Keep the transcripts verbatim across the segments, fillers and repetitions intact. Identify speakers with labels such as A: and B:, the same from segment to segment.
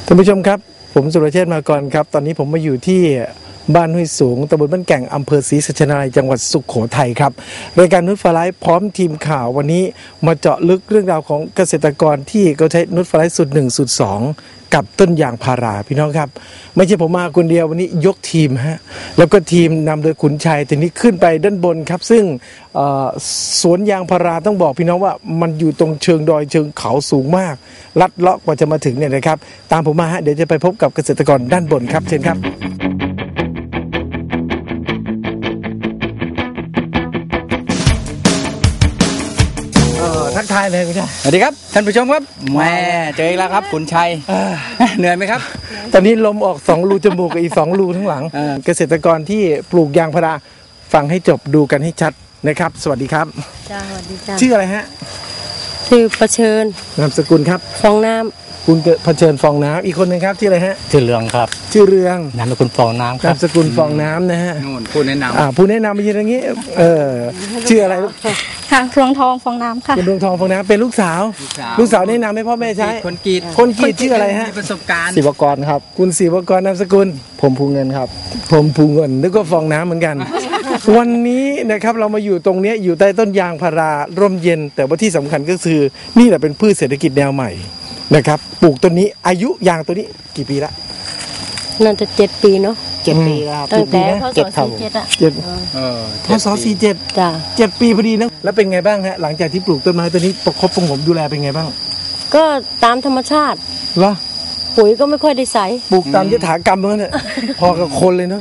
A: ท่านผู้ชมครับผมสุรเชษฐ์มาก่อนครับตอนนี้ผมมาอยู่ที่บ้านห้วยสูงตำบลบ้านแก่งอำเภอศรีสัชนาลัยจังหวัดสุโขทัยครับรายการนุชฟลายพร้อมทีมข่าววันนี้มาเจาะลึกเรื่องราวของเกษตรกรที่เขาใช้นุชฟลายสูตรหนึ่งสูตรสองกับต้นยางพาราพี่น้องครับไม่ใช่ผมมาคนเดียววันนี้ยกทีมฮะแล้วก็ทีมนำโดยขุนชัยทีนี้ขึ้นไปด้านบนครับซึ่งสวนยางพาราต้องบอกพี่น้องว่ามันอยู่ตรงเชิงดอยเชิงเขาสูงมากลัดเลาะกว่าจะมาถึงเนี่ยนะครับตามผมมาฮะเดี๋ยวจะไปพบกับเกษตรกรด้านบนครับเชิญครับทักทายเลยคุณชัย
B: สวัสดีครับท่านผู้ชมครับแม่เจออีกแล้วครับขุนชัยเหนื่อยไหมครับ
A: ตอนนี้ลมออกสองรูจมูกกับอีกสองรูทั้งหลังเกษตรกรที่ปลูกยางพาราฟังให้จบดูกันให้ชัดนะครับสวัสดีครับ
C: จ้าสวัสดีจ้า
A: ชื่ออะไรฮะ
C: ชื่อประเชิญ
A: นามสกุลครับ
C: ฟองน้ำ
A: คุณเผชิญฟองน้ำอีกคนหนึ่งครับชื่ออะไรฮะ
B: ชื่อเรืองครับ
A: ชื่อเรือง
B: นามสกุลฟองน้ำครับ
A: นามสกุลฟองน้ำนะฮะ
B: นู่นผู้แนะนำ
A: อ่าผู้แนะนำมาอย่างนี้เออชื่ออะไร
C: ค่ะดวงทองฟองน้ำค่ะ
A: คุณดวงทองฟองน้ำเป็นลูกสาวลูกสาวแนะนำให้พ่อแม่ใช้
B: คนกรีด
A: คนกรีดชื่ออะไรฮะ
B: ประสบการณ์
D: ศิวกรครับ
A: คุณศิวกรนามสกุล
D: ผมภูเงินครับ
A: ผมภูเงินนึกว่าฟองน้ำเหมือนกันวันนี้นะครับเรามาอยู่ตรงนี้อยู่ใต้ต้นยางพาราร่มเย็นแต่ว่าที่สำคัญก็คือนี่แหละเป็นพืชเศรษฐกิจแนวใหม่นะครับปลูกต้นนี้อายุยางตัวนี้กี่ปีละ
C: น่าจะเจ็ดปีเนาะ
D: เจ็ดปีแล้วครับ
C: ตั้งแต่พศสี่เจ็ดอะ
A: เจ็ดเออพศสี่เจ็ด
C: จ้ะ
A: เจ็ดปีพอดีนะแล้วเป็นไงบ้างฮะหลังจากที่ปลูกต้นไม้ตัวนี้ประคบประงมดูแลเป็นไงบ้าง
C: ก็ตามธรรมชาติ
A: เหรอ
C: ปุ๋ยก็ไม่ค่อยได้ใส่
A: ปลูกตามยถากรรมนั่นแหละพอกับคนเลยเนาะ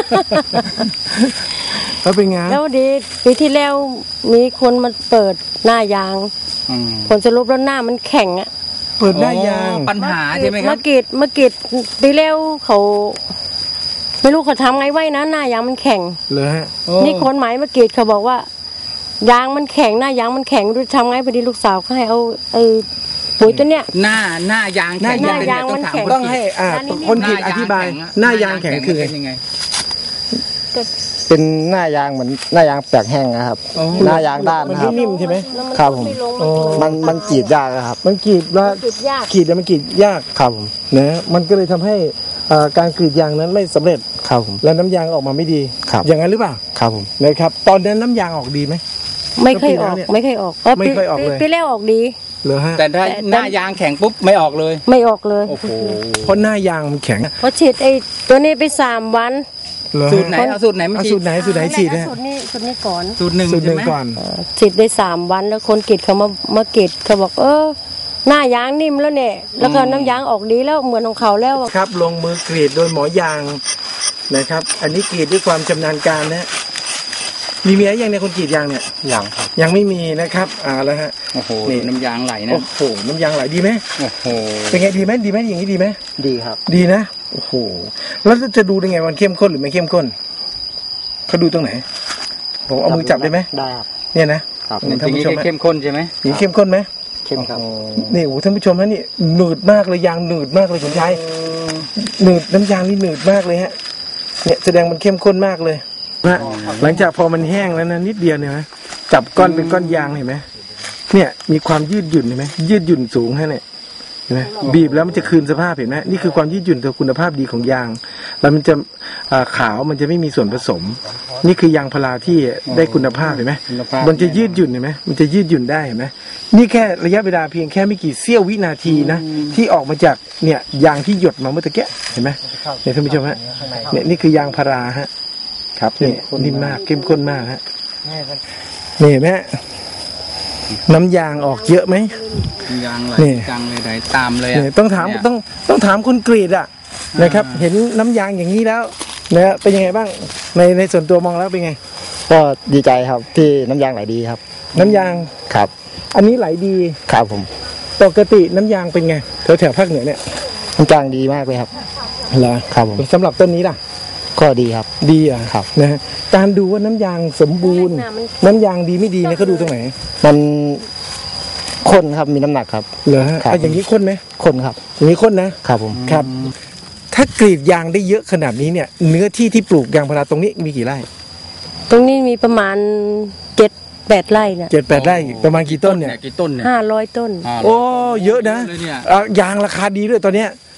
A: แล้วเป็นไง
C: แล้วดีปีที่แล้วมีคนมาเปิดหน้ายางผลสรุปแล้วหน้ามันแข็งอะ
A: เปิดหน้ายาง
B: ปัญหาใช่ไหมครับ
C: มะกรีดมะกรีดปีแล้วเขาไม่รู้เขาทำไงไว้นะหน้ายางมันแข็ง
A: เลยฮะ
C: นี่คนหมายมะกรีดเขาบอกว่ายางมันแข็งหน้ายางมันแข็งรู้ทำไงพอดีลูกสาวเขาให้เอาไอ้ปุ๋ยตัวเนี้ย
B: หน้าหน้ายาง
C: หน้ายางมันแข็ง
A: ต้องให้อ่าคนกรีดอธิบายหน้ายางแข็งคือ
B: ยังไง
D: เป็นหน้ายางเหมือนหน้ายางแปลกแห้งนะครับหน้ายางด้านนะครับ
A: นิ่มใช่ไหม
D: ครับผมมันมันกรีดยากครับ
A: มันกรีดว่ากรีดแล้วมันกรีดยาก
D: ครับผม
A: นะมันก็เลยทำให้การกรีดยางนั้นไม่สำเร็จ
D: ครับผม
A: แล้วน้ำยางออกมาไม่ดีอย่างนั้นหรือเปล่า
D: ครับผม
A: นะครับตอนนั้นน้ำยางออกดีไหม
C: ไม่เคยออกไม่เคยออก
A: ไม่เคยออกเลย
C: ปีแล้วออกดี
A: เหรอฮะ
B: แต่ถ้าหน้ายางแข็งปุ๊บไม่ออกเลย
C: ไม่ออกเลย
B: โอ้โห
A: เพราะหน้ายางมันแข็ง
C: เพราะฉีดไอ้ตัวนี้ไปสามวัน
B: สูตรไหนเอาสูตรไหนมาฉีด
A: สูตรไหนสูตรไหนฉีด
C: เนี่ยสูตรนี้สูตรนี้ก่อน
B: สูตรหนึ่ง
A: สูตรหนึ่งก่อน
C: ฉีดได้สามวันแล้วคนกรีดเขามามา กรีดเขาบอกเออหน้ายางนิ่มแล้วเนี่ยแล้วก็น้ำยางออกดีแล้วเหมือนของเขาแล้ว
A: ครับลงมือกรีดโดยหมอยางนะครับอันนี้กรีดด้วยความชำนาญการนะมีเมียยังในคนกรีดยางเนี่ย
D: ยังครับ
A: ยังไม่มีนะครับอ่าแล้วฮะ
B: โอ้โหนี่น้ำยางไหลนะ
A: โอ้โหน้ำยางไหลดีไหม
B: โอ้โห
A: เป็นไงดีไหมดีไหมอย่างนี้ดีไหม
D: ดีครับ
A: ดีนะโอ้โหแล้วจะดูได้ไงมันเข้มข้นหรือไม่เข้มข้นเขาดูตรงไหนผมเอามือจับได้ไหม
D: ได้ครับ
A: เนี่ยนะครับ
B: ท่านผู้ชมเข้มข้นใช่ไหม
A: นี่เข้มข้นไหม
D: เข้มครับ
A: นี่โอ้ท่านผู้ชมนะนี่หนืดมากเลยยางหนืดมากเลยคุณชายหนืดน้ำยางนี่หนืดมากเลยฮะเนี่ยแสดงมันเข้มข้นมากเลยนะหลังจากพอมันแห้งแล้วนะนิดเดียวเนี่ยนะจับก้อนเป็นก้อนยางเห็นไหมเนี่ยมีความยืดหยุ่นเห็นไหมยืดหยุ่นสูงฮะเนี่ยเห็นไหมบีบแล้วมันจะคืนสภาพเห็นไหมนี่คือความยืดหยุ่นตัวคุณภาพดีของยางแล้วมันจะขาวมันจะไม่มีส่วนผสมนี่คือยางพาราที่ได้คุณภาพเห็นไหมมันจะยืดหยุ่นเห็นไหมมันจะยืดหยุ่นได้เห็นไหมนี่แค่ระยะเวลาเพียงแค่ไม่กี่เสี้ยววินาทีนะที่ออกมาจากเนี่ยยางที่หยดมาเมื่อตะเกียเห็นไหมเนี่ยท่านผู้ชมฮะเนี่ยนี่คือยางพาราฮะครับนี่นิ่มมากเข้มข้นมากฮะนี่เห็นไหมน้ำยางออกเยอะไหม
B: ยางไหลจังเลยไหลตามเลย
A: ต้องถามต้องต้องถามคนกรีดอ่ะนะครับเห็นน้ำยางอย่างนี้แล้วนะเป็นยังไงบ้างในในส่วนตัวมองแล้วเป็นไง
D: ก็ดีใจครับที่น้ำยางไหลดีครับ
A: น้ำยาง
D: ครับ
A: อันนี้ไหลดี
D: ครับผม
A: ปกติน้ำยางเป็นไงแถวแถวภาคเหนือเนี่ย
D: น้ำยางดีมากเลยครับ
A: เหรอ
D: ครับผม
A: สำหรับต้นนี้ล่ะ
D: ก็ดีครับ
A: ดีอ่ะ
D: ครับ
A: นะฮะการดูว่าน้ำยางสมบูรณ์น้ำยางดีไม่ดีเนี่ยเขาดูตรงไหน
D: มันข้นครับมีน้ำหนักครับ
A: เหรอฮะอย่างนี้ข้นไหม
D: ข้นครับ
A: อย่างนี้ข้นนะครับ
D: ผม
A: ครับถ้ากรีดยางได้เยอะขนาดนี้เนี่ยเนื้อที่ที่ปลูกยางพาราตรงนี้มีกี่ไร่
C: ตรงนี้มีประมาณเจ็ดแปดไร่เนี่ย
A: เจ็ดแปดไร่ประมาณกี่ต้นเนี่ย
B: กี่ต้นเนี่ย
C: ห้าร้อยต้น
A: โอ้เยอะนะยางราคาดีด้วยตอนเนี้ย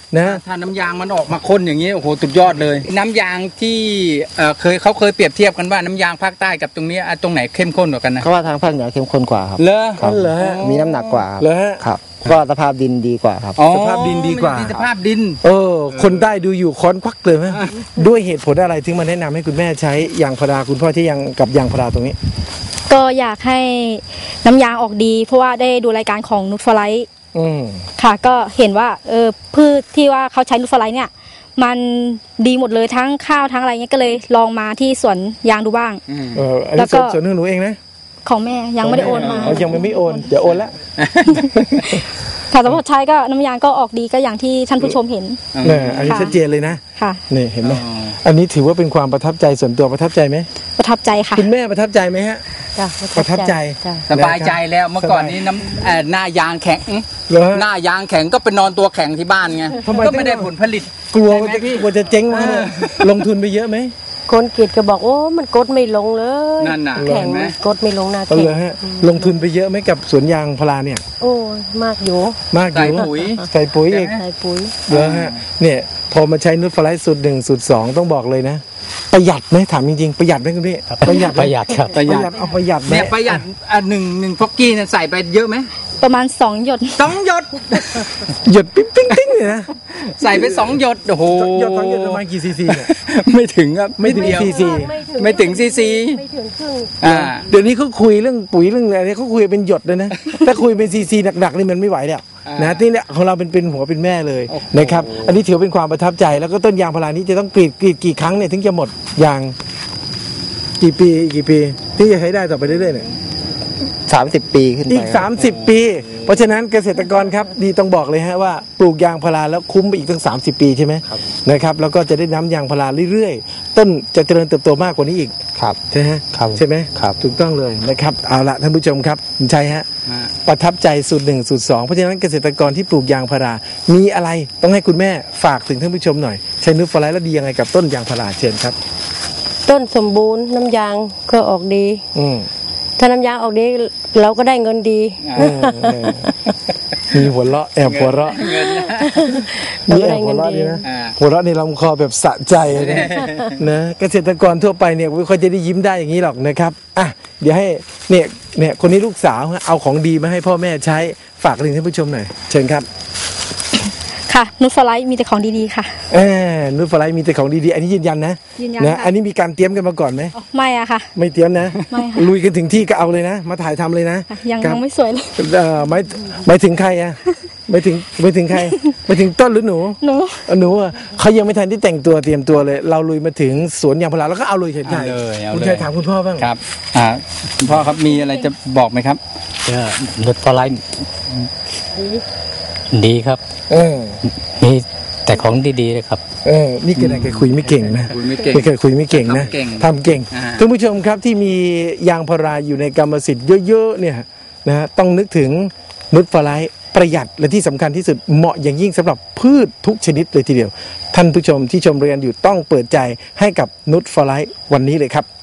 A: นะ
B: ถ้าน้ำยางมันออกมาข้นอย่างนี้โอ้โหสุดยอดเลย น้ำยางที่เอ่อเคยเขาเคยเปรียบเทียบกันว่าน้ำยางภาคใต้กับตรงนี้อ่ะตรงไหนเข้มข้นกว่ากันนะ
D: เขาว่าทางภาคเหนือเข้มข้นกว่าครับ
B: เลอ
D: ครับ
A: เหรอฮะ
D: มีน้ำหนักกว่า
A: เหรอฮะ
D: ครับก็สภาพดินดีกว่าครับ
B: อ๋อ
A: สภาพดินดีกว่า
B: สภาพดิน
A: เออ คนได้ดูอยู่ค้อนควักเลยไหมด้วยเหตุผลอะไรถึงมาแนะนำให้คุณแม่ใช้ยางพาราคุณพ่อที่ยังกับยางพาราตรงนี้
E: ก็อยากให้น้ำยางออกดี เพราะว่าได้ดูรายการของนูตฟลาย
A: อืม
E: ค่ะ ก็เห็นว่าเออพืชที่ว่าเขาใช้นูตฟลายเนี่ย มันดีหมดเลยทั้งข้าวทั้งอะไรเงี้ยก็เลยลองมาที่สวนยางดูบ้าง
A: เอออัน
E: แล้
A: นี้
E: วก็
A: ส่วนส่วนหนึ่งหนูเองนะ
E: ของแม่ยังไม่ได้โอนมา
A: อ๋อยังไม่ไม่โอนเดี๋ยวโอนละ
E: ค่ะสำหรับใช้ก็น้ำยางก็ออกดีก็อย่างที่ท่านผู้ชมเห็น
A: เนี่ยอันนี้
E: ค่ะ
A: ชัดเจนเลยนะ
E: ค่ะ
A: นี่เห็นไหมอันนี้ถือว่าเป็นความประทับใจส่วนตัวประทับใจไหม
E: ประทับใจค่ะ
A: คุณแม่ประทับใจไหมฮะ
C: จ้ะ
A: ประทับใจ
C: จ้ะ
B: สบายใจแล้วเมื่อก่อนนี้น้ำเอ่อหน้ายางแข็ง
A: เหรอฮะ
B: หน้ายางแข็งก็ไปนอนตัวแข็งที่บ้านไง
A: ทำไม
B: ก็ไม่ได้ผลผลิต
A: กลัว
B: ใช่
A: ว่า
B: ไหม
A: จะ
B: พี่
A: กลัวจะเจ๊งมาเนี่ยลงทุนไปเยอะไหม
C: คนกรีดก็บอกโอ้มันกดไม่ลงเลย
B: นั่นน่ะ
C: แข็ง
B: เห็นไหม
C: กดไม่ลงหน้า
A: เอา
C: แข็ง
A: เลยฮะลงทุนไปเยอะไหมกับสวนยางพาราเนี่ย
C: โอ้ยมากอยู่
A: มากอ
B: ใส่
A: ยู่
B: ปุ๋ย
A: ใส่ปุ๋ยอีก
C: ใส่ปุ๋ย
A: เหรอฮะเนี่ยพอมาใช้นุชฟลายสูตรหนึ่งสูตรสองต้องบอกเลยนะ ประหยัดไหมถามจริงๆประหยัดไหมคุณพี่ประหยัดไหม
D: ประหยัดครับ
A: ประหยัดเอาประหยัดไหม
B: เนี่ยประหยัดอ่ะหนึ่งหนึ่งฟอกกี้เนี่ยใส่ไปเยอะไหม
E: ประมาณสองหยด
B: สองหยด
A: หยดปิ๊งปิ๊งปิ๊งเลยนะ
B: ใส่ไปสองหยดโอ้โห
A: หยดสองหยดประมาณกี่ซีซีเนี่ย
B: ไม่ถึงครับ
A: ไม่ถึง
B: นิดเดียว
A: ซีซี
B: ไม่ถึงซีซี
C: ไม่ถึงครึ่ง
B: อ่า
A: เดี๋ยวนี้เขาคุยเรื่องปุ๋ยเรื่องอะไรเขาคุยเป็นหยดเลยนะ ถ้าคุยเป็นซีซีหนักๆนี่มันไม่ไหวแล้ว
B: อ่าน
A: นะที่เนี่ยของเราเป็นเป็นหัวเป็นแม่เลย
B: โอ้โห
A: นะครับอันนี้ถือเป็นความประทับใจแล้วก็ต้นยางพารานี้จะต้องกรีดกรีดกี่ครั้งเนี่ยถึงจะหมดยางกี่ปีอีกกี่ปีที่จะใช้ได้ต่อไปเรื่อยๆเนี่ย
D: สามสิบปีขึ้นไป
A: อีก
D: ครับ
A: สามสิบ ปี เพราะฉะนั้นเกษตรกรครับดีต้องบอกเลยฮะว่าปลูกยางพาราแล้วคุ้มไปอีกตั้งสามสิบ ปีใช่ไหมนะครับแล้วก็จะได้น้ำยางพาราเรื่อยๆ ต้นจะเจริญเติบโตมากกว่านี้อีก
D: ครับ
A: ใช่ไหม
D: ครับ
A: ใช่ไหม
D: ครับ
A: ถูกต้องเลยนะครับเอาละท่านผู้ชมครับคุณชัยฮะ
B: อ่า
A: ประทับใจสูตรหนึ่งสูตรสองเพราะฉะนั้นเกษตรกรที่ปลูกยางพารา มีอะไรต้องให้คุณแม่ฝากถึงท่านผู้ชมหน่อยใช้นูตฟลายแล้วดียังไงกับต้นยางพาราเชิญครับ
C: ต้นสมบูรณ์น้ำยางก็ออกดี
A: อืม
C: ถ้าน้ำยางออกดีเราก็ได้เงินดี
A: อืมอืมมีหัวเราะแอบหัวเราะ
B: เงินนะ
C: เรา
A: มี
C: ก็
A: แอ
C: ได้
A: บหั
C: เงิ
A: วน เราะ
C: ดี
A: ดีนะ
B: อ่า
A: หัวเราะในลำคอแบบสะใจนะนะเกษตรกรทั่วไปเนี่ยไม่ค่อยจะได้ยิ้มได้อย่างนี้หรอกนะครับอ่ะเดี๋ยวให้เนี่ยเนี่ยคนนี้ลูกสาวฮะเอาของดีมาให้พ่อแม่ใช้ฝากถึงท่านผู้ชมหน่อยเชิญครับ
E: ค่ะนูตฟลายมีแต่ของดีๆค่ะ
A: เออนูตฟลายมีแต่ของดีๆอันนี้ยืนยันนะ
E: ยืนยัน
A: นะ
E: ค่ะ
A: อันนี้มีการเตรียมกันมาก่อนไหม
E: ไม่อะค่ะ
A: ไม่เตรียมนะ
E: ไม่ค่ะ
A: ลุยกันถึงที่ก็เอาเลยนะ มาถ่ายทำเลยนะ
E: ยัง
A: ครับ
E: ยังไม่สวยเลย
A: เอ่อไม่ไม่ถึงใครอ่ะไม่ถึงไม่ถึงใครไม่ถึงต้นหรือหนู
E: หนู
A: เอาหนูอ่ะเขายังไม่ทันที่แต่งตัวเตรียมตัวเลย เราลุยมาถึงสวนยางพาราแล้วก็เอาเลยเฉย
B: เอาเลยเอาเลย
A: คุณชายถามคุณพ่อบ้าง
B: ครับอ่าคุณพ่อครับมีอะไรจะบอกไหมครับ
F: ก็นุชฟลายดีครับ
A: เออ
F: มีแต่ของดีๆเลยครับ
A: เออนี่ก็ได้แกคุยไม่เก่งนะ
B: คุยไม่เก่ง
A: ไม่เคยคุยไม่เก่งนะ
B: ทำเก่ง
A: ทำเก่ง
B: อ่า
A: ท่านผู้ชมครับที่มียางพาราอยู่ในกรรมสิทธิ์เยอะๆเนี่ยนะฮะต้องนึกถึงนุชฟลายประหยัดและที่สำคัญที่สุดเหมาะอย่างยิ่งสำหรับพืชทุกชนิดเลยทีเดียว ท่านผู้ชมที่ชมเรียนอยู่ต้องเปิดใจให้กับนุชฟลายวันนี้เลยครับ